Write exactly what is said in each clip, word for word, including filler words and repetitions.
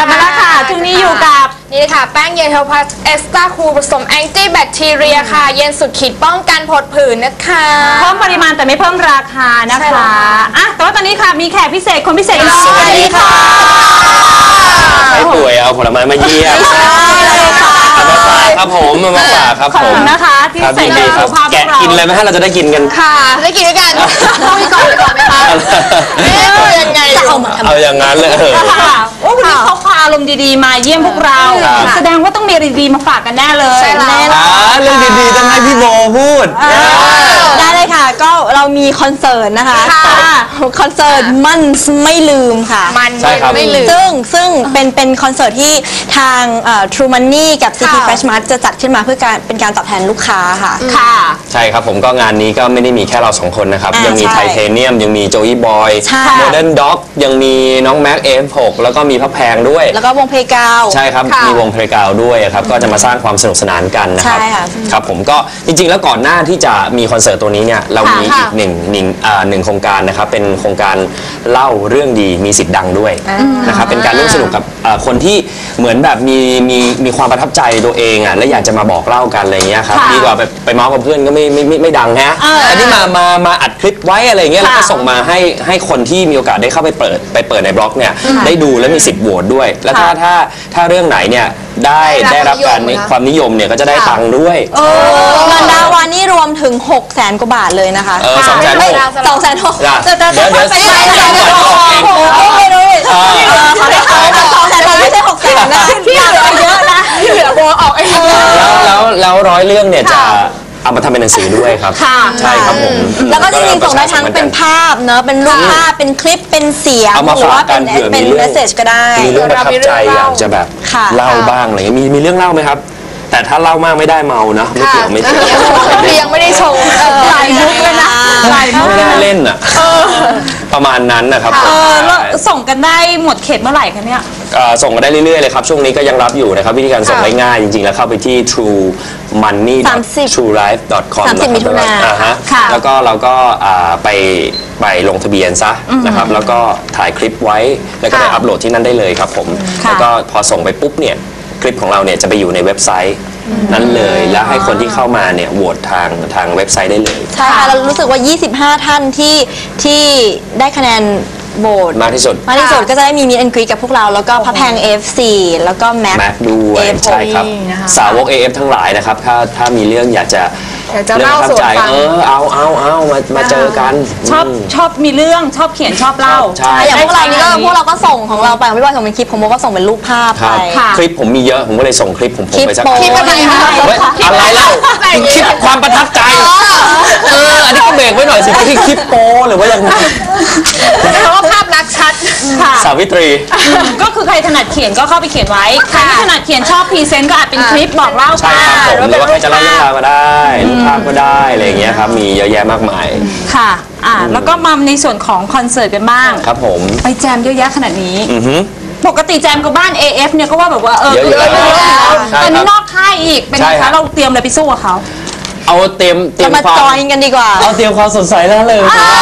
ลับมาแล้วค่ะช่วงนี้อยู่กับนี่ค่ะแป้งเยลเทลพัสเอสตาคูผสมแอนตี้แบคทีเรียค่ะเย็นสุดขีดป้องกันผดผื่นนะคะเพิ่มปริมาณแต่ไม่เพิ่มราคานะคะอ่ะแต่ว่าตอนนี้ค่ะมีแขกพิเศษคนพิเศษสวัสดีค่ะใครป่วยเอาผลไม้มาเยี่ยมเอามาฝากครับผมเอามาฝากครับผมนะคะที่ใส่ใจสุขภาพแกะกินเลยไหมฮะเราจะได้กินกันค่ะได้กินด้วยกันต้องมีก่อนก่อนไหมคะเอ๊ะยังไงเอาอย่างนั้นเลยค่ะโอ้วันนี้เขาพาอารมณ์ดีๆมาเยี่ยมพวกเราแสดงว่าต้องมีอะไรดีๆมาฝากกันแน่เลยใช่แล้วเรื่องดีๆต้องให้พี่โบพูดได้เลยค่ะก็เรามีคอนเสิร์ตนะคะคอนเสิร์ตมันไม่ลืมค่ะมันไม่ลืมซึ่งซึ่งเป็นเป็นคอนเสิร์ตที่ทาง True Money กับ ซี พี Fresh Mart จะจัดขึ้นมาเพื่อการเป็นการตอบแทนลูกค้าค่ะค่ะใช่ครับผมก็งานนี้ก็ไม่ได้มีแค่เราสองคนนะครับยังมีไทเทเนียมยังมีโจอี้บอยโมเดิร์นด็อกยังมีน้องแม็ก เอฟ หก แล้วก็มีพระแพงด้วยแล้วก็วงเพลงกาวใช่ครับมีวงเพลงกาวด้วยครับก็จะมาสร้างความสนุกสนานกันนะครับครับผมก็จริงๆแล้วก่อนหน้าที่จะมีคอนเสิร์ตตัวนี้เนี่ยเรามีอีกหนึ่งหนึ่งหนึ่งโครงการนะครับเป็นโครงการเล่าเรื่องดีมีสิทธิ์ดังด้วยนะครับเป็นการร่วมสนุกกับคนที่เหมือนแบบมีมีมีความประทับใจตัวเองอ่ะและอยากจะมาบอกเล่ากันอะไรเงี้ยครับดีกว่าไปไปเมาส์กับเพื่อนก็ไม่ไม่ไม่ดังฮะอันนี้มามามาอัดคลิปไว้อะไรเงี้ยแล้วก็ส่งมาให้ให้คนที่มีโอกาสได้เข้าไปเปิดไปเปิดในบล็อกเนี่ยได้ดูและมีสิทธิ์โหวตด้วยแล้วถ้าถ้าถ้าเรื่องไหนเนี่ยได้ได้รับการความนิยมเนี่ยก็จะได้ตังค์ด้วยเงินรางวัลนี่รวมถึงหกแสนกว่าบาทเลยนะคะเออสองแสนหกสองแสนหกเดี๋ยวเดี๋ยวเดี๋ยวสองแสนหกไม่รู้สองแสนหกไม่ใช่หกแสนนะที่เหลือเยอะนะที่เหลือโบออกเองแล้วแล้วแล้วร้อยเรื่องเนี่ยจะเอามาทำเป็นหนังสือด้วยครับใช่ครับผมแล้วก็จริงๆส่งได้ทั้งเป็นภาพเนอะเป็นรูปภาพเป็นคลิปเป็นเสียงหรือว่าเป็นเป็นเมสเซจก็ได้มีเรื่องประทับใจอยากจะแบบเล่าบ้างอะไรเงี้ยมีมีเรื่องเล่าไหมครับแต่ถ้าเล่ามากไม่ได้เมานะไม่เกี่ยวไม่เกี่ยวยังไม่ได้ชงหลายมุกเลยนะหลายมุกไม่ได้เล่นอ่ะประมาณนั้นนะครับแล้วส่งกันได้หมดเขตเมื่อไหร่คะเนี่ยส่งกันได้เรื่อยๆเลยครับช่วงนี้ก็ยังรับอยู่นะครับวิธีการส่งง่ายๆจริงๆแล้วเข้าไปที่ true money true life dot com นะครับแล้วก็เราก็ไปไปลงทะเบียนซะนะครับแล้วก็ถ่ายคลิปไว้แล้วก็ไปอัปโหลดที่นั่นได้เลยครับผมแล้วก็พอส่งไปปุ๊บเนี่ยคลิปของเราเนี่ยจะไปอยู่ในเว็บไซต์นั้นเลยแล้วให้คนที่เข้ามาเนี่ยโหวตทางทางเว็บไซต์ได้เลยใช่ค่ะเรารู้สึกว่ายี่สิบห้าท่านที่ที่ได้คะแนนโหวตมากที่สุดมากที่สุดก็จะได้มีมิดแอนด์กรีตกับพวกเราแล้วก็พระแพง เอฟ สี่ แล้วก็แม็กด้วยใช่ครับสาวก เอ เอฟ ทั้งหลายนะครับถ้าถ้ามีเรื่องอยากจะเรื่องประทับใจเออเอาเอาเอามามาเจอกันชอบชอบมีเรื่องชอบเขียนชอบเล่าใช่อย่างพวกเรานี่ก็พวกเราก็ส่งของเราไปของพี่บอยส่งเป็นคลิปของโมก็ส่งเป็นรูปภาพไปคลิปผมมีเยอะผมก็เลยส่งคลิปผมผมไปสักคลิปอะไรคะอะไรเล่าคลิปความประทับใจเอออันนี้ก็เบรกไว้หน่อยสิที่คลิปโป้หรือว่ายังไงเพราะว่าภาพลักษณ์ชัดสาวิตรีก็คือใครถนัดเขียนก็เข้าไปเขียนไว้ใครที่ถนัดเขียนชอบพรีเซนต์ก็อาจเป็นคลิปบอกเล่าใช่ครับผมหรือว่าใครจะเล่าเรื่องราวก็ได้รูปภาพก็ได้อะไรอย่างเงี้ยครับมีเยอะแยะมากมายค่ะอ่าแล้วก็มาในส่วนของคอนเสิร์ตกันบ้างครับผมไปแจมเยอะแยะขนาดนี้ปกติแจมกับบ้าน เอ เอฟ เนี่ยก็ว่าแบบว่าเออเยอะอยู่แล้วตอนนี้นอกค่ายอีกเป็นไงคะเราเตรียมอะไรไปสู้กับเขาเอาเตรียมเตรียมความมาจอยกันดีกว่าเอาเตรียมความสดใสนั่นเลย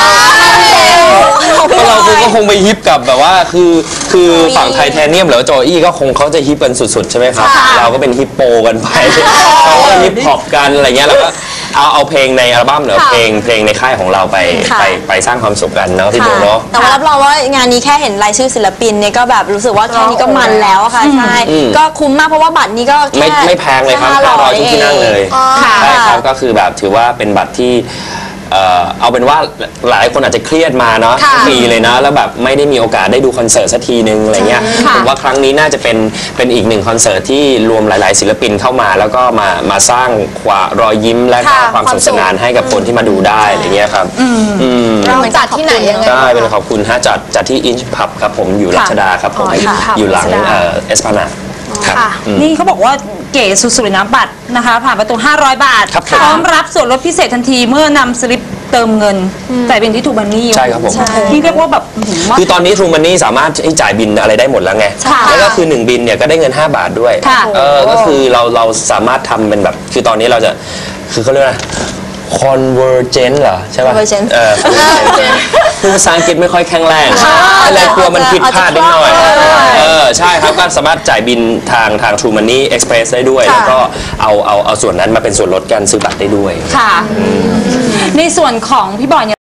ก็เราคือก็คงไปฮิปกับแบบว่าคือคือฝั่งไทเทเนียมหรือโจอี้ก็คงเขาจะฮิปกันสุดๆใช่ไหมครับเราก็เป็นฮิปโปกันไปเขาก็ฮิปฮอปกันอะไรเงี้ยแล้วก็เอาเอาเพลงในอัลบั้มหรือเพลงเพลงในค่ายของเราไปไปไปสร้างความสุขกันเนาะพี่โบเนาะแต่ว่ารับรองว่างานนี้แค่เห็นรายชื่อศิลปินเนี่ยก็แบบรู้สึกว่าแค่นี้ก็มันแล้วค่ะใช่ก็คุ้มมากเพราะว่าบัตรนี้ก็ไม่ไม่แพงเลยครับห้าร้อยทุกที่นั่งเลยใช่ครับก็คือแบบถือว่าเป็นบัตรที่เอาเป็นว่าหลายคนอาจจะเครียดมาเนาะปีเลยนะแล้วแบบไม่ได้มีโอกาสได้ดูคอนเสิร์ตสักทีนึงอะไรเงี้ยผมว่าครั้งนี้น่าจะเป็นเป็นอีกหนึ่งคอนเสิร์ตที่รวมหลายๆศิลปินเข้ามาแล้วก็มามาสร้างความรอยยิ้มและความสนุกสนานให้กับคนที่มาดูได้อะไรเงี้ยครับเราจัดที่ไหนยังไงใช่เป็นขอบคุณฮะจัดจัดที่อินช์พับครับผมอยู่รัชดาครับผมอยู่หลังเอสพานานี่เขาบอกว่าเก๋สุดๆเลยนะบัตรนะคะผ่านประตูห้าร้อยบาทพร้อมรับส่วนลดพิเศษทันทีเมื่อนำสลิปเติมเงินจ่ายบินที่ทูบันนี่ใช่ครับผมนี่เรียกว่าแบบคือตอนนี้ทูบันนี่สามารถจ่ายบินอะไรได้หมดแล้วไงแล้วก็คือหนึ่งบินเนี่ยก็ได้เงินห้าบาทด้วยเออก็คือเราเราสามารถทำเป็นแบบคือตอนนี้เราจะคือเขาเรียกว่า convergent เหรอใช่ป่ะ Convergent เออ convergent พูดภาษาอังกฤษไม่ค่อยแข็งแรงอะไรกลัวมันผิดพลาดนิดหน่อยเออใช่ครับก็สามารถจ่ายบินทางทาง True Money Express ได้ด้วยแล้วก็เอาเอาเอาส่วนนั้นมาเป็นส่วนลดการซื้อบัตรได้ด้วยค่ะ ในส่วนของพี่บอยเนี่ย